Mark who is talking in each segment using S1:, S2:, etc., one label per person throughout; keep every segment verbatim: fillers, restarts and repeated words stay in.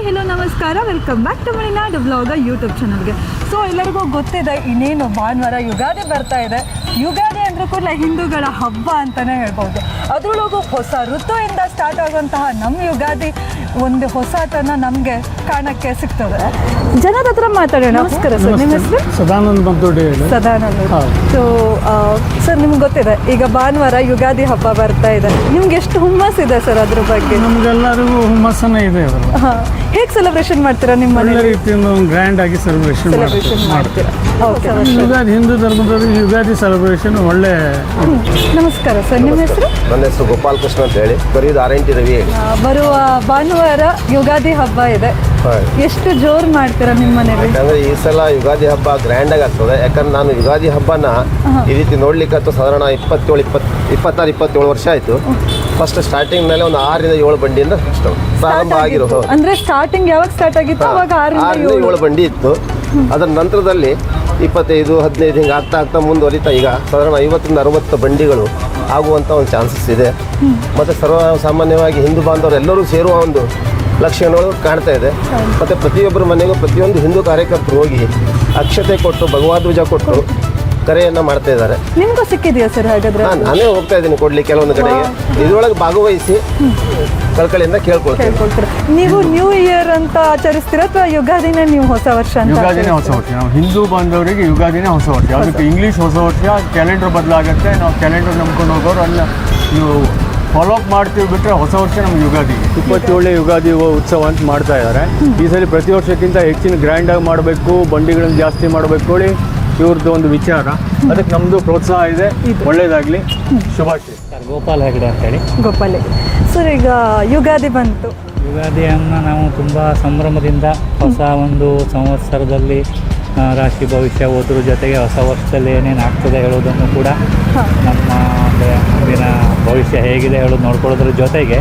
S1: Hi hello ನಮಸ್ಕಾರ, welcome back to Malenadu blog YouTube ಚಾನಲ್ಗೆ. So ಎಲ್ಲರಿಗೂ ಗೊತ್ತಿದೆ, ಇನ್ನೇನು ಭಾನುವಾರ ಯುಗಾದಿ ಬರ್ತಾ ಇದೆ. ಯುಗಾದಿ ಅಂದ್ರೂ ಕೂಡ ಹಿಂದೂಗಳ ಹಬ್ಬ ಅಂತಲೇ ಹೇಳ್ಬೋದು. ಅದರೊಳಗೂ ಹೊಸ ಋತುವಿಂದ ಸ್ಟಾರ್ಟ್ ಆಗುವಂತಹ ನಮ್ಮ ಯುಗಾದಿ ಒಂದು ಹೊಸತನ ನಮಗೆ ಕಾಣಕ್ಕೆ ಸಿಗ್ತದೆ. ಜನದ ಹತ್ರ ಮಾತಾಡೋಣ. ನಮಸ್ಕಾರ ಸರ್, ನಿಮ್ಮ ಹೆಸರು?
S2: ಸದಾನಂದ ಬಂತೋಡಿ.
S1: ಸದಾನಂದ. ಸೊ ಸರ್, ನಿಮ್ಗೆ ಗೊತ್ತಿದೆ ಈಗ ಭಾನುವಾರ ಯುಗಾದಿ ಹಬ್ಬ ಬರ್ತಾ ಇದೆ. ನಿಮ್ಗೆ ಎಷ್ಟು ಹುಮ್ಮಸ್ ಇದೆ ಸರ್ ಅದ್ರ ಬಗ್ಗೆ?
S2: ನಮ್ಗೆಲ್ಲರಿಗೂ ಹುಮ್ಮಸ್ಸನೇ ಇದೆ.
S1: ಹಾಂ, ಹೇಗೆ ಸೆಲೆಬ್ರೇಷನ್ ಮಾಡ್ತೀರಾ ನಿಮ್ಮ ಮನೆ?
S2: ಒಳ್ಳೆ ರೀತಿಯಿಂದ ಗ್ರ್ಯಾಂಡ್ ಆಗಿ ಸೆಲೆಬ್ರೇಷನ್
S1: ಸೆಲೆಬ್ರೇಷನ್ ಮಾಡ್ತೀರಾ? ಓಕೆ.
S2: ಯುಗಾದಿ ಹಿಂದೂ ಧರ್ಮದವರಿಗೆ ಯುಗಾದಿ ಸೆಲೆಬ್ರೇಷನ್ ಒಳ್ಳೆ.
S1: ನಮಸ್ಕಾರ ಸರ್, ನಿಮ್ಮ ಹೆಸರು?
S3: ನನ್ನ ಹೆಸರು ಗೋಪಾಲ್ ಕೃಷ್ಣ ಅಂತ ಹೇಳಿ, ಬರೀದು ಆರ್ ಎನ್ ಟಿ ರವಿ ಹೇಳಿ.
S1: ಬರುವ ಭಾನುವಾರ ಯುಗಾದಿ ಹಬ್ಬ ಇದೆ. ಎಷ್ಟು ಜೋರು ಮಾಡ್ತೀರಾ ನಿಮ್ಮ ಮನೇಲಿ?
S3: ಯಾಕಂದ್ರೆ ಈ ಸಲ ಯುಗಾದಿ ಹಬ್ಬ ಗ್ರ್ಯಾಂಡ್ ಆಗಿ ಆಗ್ತದೆ. ಯಾಕಂದ್ರೆ ನಾನು ಯುಗಾದಿ ಹಬ್ಬನ ಈ ರೀತಿ ನೋಡ್ಲಿಕ್ಕೆ ಆಯ್ತು ಸಾಧಾರಣ ಇಪ್ಪತ್ತೇಳು ಇಪ್ಪತ್ ಇಪ್ಪತ್ತಾರು ಇಪ್ಪತ್ತೇಳು ವರ್ಷ ಆಯ್ತು. ಫಸ್ಟ್ ಸ್ಟಾರ್ಟಿಂಗ್ ಮೇಲೆ ಒಂದು ಆರರಿಂದ ಏಳು ಬಂಡಿಯಿಂದ ಪ್ರಾರಂಭ ಆಗಿರೋ.
S1: ಅಂದ್ರೆ ಸ್ಟಾರ್ಟಿಂಗ್ ಯಾವಾಗ ಸ್ಟಾರ್ಟ್ ಆಗಿತ್ತು ಅವಾಗ
S3: ಆರರಿಂದ ಏಳು ಬಂಡಿ ಇತ್ತು. ಅದರ ನಂತರದಲ್ಲಿ ಇಪ್ಪತ್ತೈದು ಹದಿನೈದು ಹಿಂಗೆ ಆಗ್ತಾ ಆಗ್ತಾ ಮುಂದುವರಿತಾ ಈಗ ಸಾಧಾರಣ ಐವತ್ತರಿಂದ ಅರವತ್ತು ಬಂಡಿಗಳು ಆಗುವಂಥ ಒಂದು ಚಾನ್ಸಸ್ ಇದೆ. ಮತ್ತು ಸರ್ವ ಸಾಮಾನ್ಯವಾಗಿ ಹಿಂದೂ ಬಾಂಧವರು ಎಲ್ಲರೂ ಸೇರುವ ಒಂದು ಲಕ್ಷಣಗಳು ಕಾಣ್ತಾ ಇದೆ. ಮತ್ತು ಪ್ರತಿಯೊಬ್ಬರ ಮನೆಗೂ ಪ್ರತಿಯೊಂದು ಹಿಂದೂ ಕಾರ್ಯಕರ್ತರು ಹೋಗಿ ಅಕ್ಷತೆ ಕೊಟ್ಟು ಭಗವದ್ವಜ ಕೊಟ್ಟು ಕರೆಯನ್ನು ಮಾಡ್ತಾ ಇದ್ದಾರೆ.
S1: ನಿಮಗೂ ಸಿಕ್ಕಿದೆಯಾ ಸರ್ ಹಾಗಾದ್ರೆ?
S3: ಹಾಂ, ನಾನೇ ಹೋಗ್ತಾ ಇದ್ದೀನಿ ಕೊಡ್ಲಿ ಕೆಲವೊಂದು ಕಡೆಗೆ. ಇದರೊಳಗೆ ಭಾಗವಹಿಸಿ ಕಳ್ಕಳಿಯಿಂದ ಕೇಳ್ಕೊಳ್ತೀನಿ.
S1: ನೀವು ನ್ಯೂ ಇಯರ್ ಅಂತ ಆಚರಿಸ್ತೀರಾ ಅಥವಾ ಯುಗಾದಿನೇ ನೀವು ಹೊಸ ವರ್ಷ ಅಂತ?
S2: ಯುಗಾದಿನೇ ಹೊಸ ವರ್ಷ. ನಾವು ಹಿಂದೂ ಬಾಂಧವರಿಗೆ ಯುಗಾದಿನೇ ಹೊಸ ವರ್ಷ. ಅದಕ್ಕೆ ಇಂಗ್ಲೀಷ್ ಹೊಸ ವರ್ಷ ಕ್ಯಾಲೆಂಡರ್ ಬದಲಾಗುತ್ತೆ. ನಾವು ಕ್ಯಾಲೆಂಡರ್ ನಂಬ್ಕೊಂಡು ಹೋಗೋರು ಅಲ್ಲ, ನೀವು ಫಾಲೋ ಅಪ್ ಮಾಡ್ತೀವಿ ಬಿಟ್ಟರೆ ಹೊಸ ವರ್ಷ ನಮ್ಗೆ ಯುಗಾದಿ. ಇಪ್ಪತ್ತೇಳನೇ ಯುಗಾದಿ ಉತ್ಸವ ಅಂತ ಮಾಡ್ತಾ ಇದ್ದಾರೆ. ಈ ಸಲ ಪ್ರತಿ ವರ್ಷಕ್ಕಿಂತ ಹೆಚ್ಚಿನ ಗ್ರ್ಯಾಂಡಾಗಿ ಮಾಡಬೇಕು, ಬಂಡಿಗಳನ್ನು ಜಾಸ್ತಿ ಮಾಡಬೇಕು ಹೇಳಿ ಇವ್ರದ್ದು ಒಂದು ವಿಚಾರ. ಅದಕ್ಕೆ ನಮ್ಮದು ಪ್ರೋತ್ಸಾಹ ಇದೆ. ಒಳ್ಳೇದಾಗಲಿ, ಶುಭಾಶಯ.
S4: ಸರ್, ಗೋಪಾಲ್ ಹೆಗಡೆ ಅಂತೇಳಿ.
S1: ಗೋಪಾಲ್ ಹೆಗಡೆ ಸರ್, ಈಗ ಯುಗಾದಿ ಬಂತು.
S4: ಯುಗಾದಿಯನ್ನು ನಾವು ತುಂಬ ಸಂಭ್ರಮದಿಂದ ಹೊಸ ಒಂದು ಸಂವತ್ಸರದಲ್ಲಿ ರಾಶಿ ಭವಿಷ್ಯ ಓದ್ರ ಜೊತೆಗೆ ಹೊಸ ವರ್ಷದಲ್ಲಿ ಏನೇನು ಆಗ್ತದೆ ಹೇಳೋದನ್ನು ಕೂಡ ನಮ್ಮ ಅಂದರೆ ಮುಂದಿನ ಭವಿಷ್ಯ ಹೇಗಿದೆ ಹೇಳೋದು ನೋಡ್ಕೊಳ್ಳೋದ್ರ ಜೊತೆಗೆ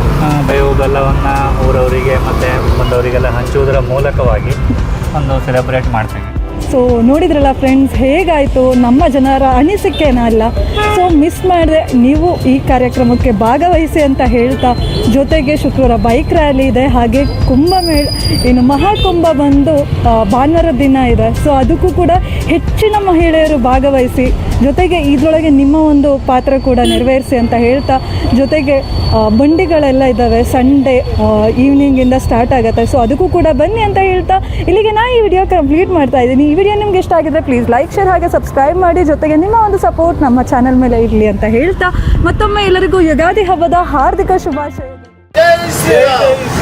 S4: ಬೇವು ಬೆಲ್ಲವನ್ನು ಊರವರಿಗೆ ಮತ್ತು ಬಂದವರಿಗೆಲ್ಲ ಹಂಚುವುದರ ಮೂಲಕವಾಗಿ ಒಂದು ಸೆಲೆಬ್ರೇಟ್ ಮಾಡ್ತೀವಿ.
S1: ಸೊ ನೋಡಿದ್ರಲ್ಲ ಫ್ರೆಂಡ್ಸ್, ಹೇಗಾಯಿತು ನಮ್ಮ ಜನರ ಅನಿಸಿಕೆನ ಅಲ್ಲ. ಸೊ ಮಿಸ್ ಮಾಡಿದೆ ನೀವು ಈ ಕಾರ್ಯಕ್ರಮಕ್ಕೆ ಭಾಗವಹಿಸಿ ಅಂತ ಹೇಳ್ತಾ, ಜೊತೆಗೆ ಶುಕ್ರವಾರ ಬೈಕ್ ರ್ಯಾಲಿ ಇದೆ, ಹಾಗೆ ಕುಂಭಮೇಳ ಏನು ಮಹಾಕುಂಭ ಬಂದು ಭಾನುವಾರ ದಿನ ಇದೆ. ಸೊ ಅದಕ್ಕೂ ಕೂಡ ಹೆಚ್ಚಿನ ಮಹಿಳೆಯರು ಭಾಗವಹಿಸಿ, ಜೊತೆಗೆ ಇದರೊಳಗೆ ನಿಮ್ಮ ಒಂದು ಪಾತ್ರ ಕೂಡ ನೆರವೇರಿಸಿ ಅಂತ ಹೇಳ್ತಾ, ಜೊತೆಗೆ ಬಂಡಿಗಳೆಲ್ಲ ಇದ್ದಾವೆ. ಸಂಡೇ ಈವ್ನಿಂಗಿಂದ ಸ್ಟಾರ್ಟ್ ಆಗುತ್ತೆ. ಸೊ ಅದಕ್ಕೂ ಕೂಡ ಬನ್ನಿ ಅಂತ ಹೇಳ್ತಾ ಇಲ್ಲಿಗೆ ನಾನು ಈ ವಿಡಿಯೋ ಕಂಪ್ಲೀಟ್ ಮಾಡ್ತಾ ಇದ್ದೀನಿ. ಈ ವಿಡಿಯೋ ನಿಮ್ಗೆ ಇಷ್ಟ ಆಗಿದ್ರೆ ಪ್ಲೀಸ್ ಲೈಕ್, ಶೇರ್ ಹಾಗೆ ಸಬ್ಸ್ಕ್ರೈಬ್ ಮಾಡಿ. ಜೊತೆಗೆ ನಿಮ್ಮ ಒಂದು ಸಪೋರ್ಟ್ ನಮ್ಮ ಚಾನಲ್ ಮೇಲೆ ಇರಲಿ ಅಂತ ಹೇಳ್ತಾ, ಮತ್ತೊಮ್ಮೆ ಎಲ್ಲರಿಗೂ ಯುಗಾದಿ ಹಬ್ಬದ ಹಾರ್ದಿಕ ಶುಭಾಶಯ.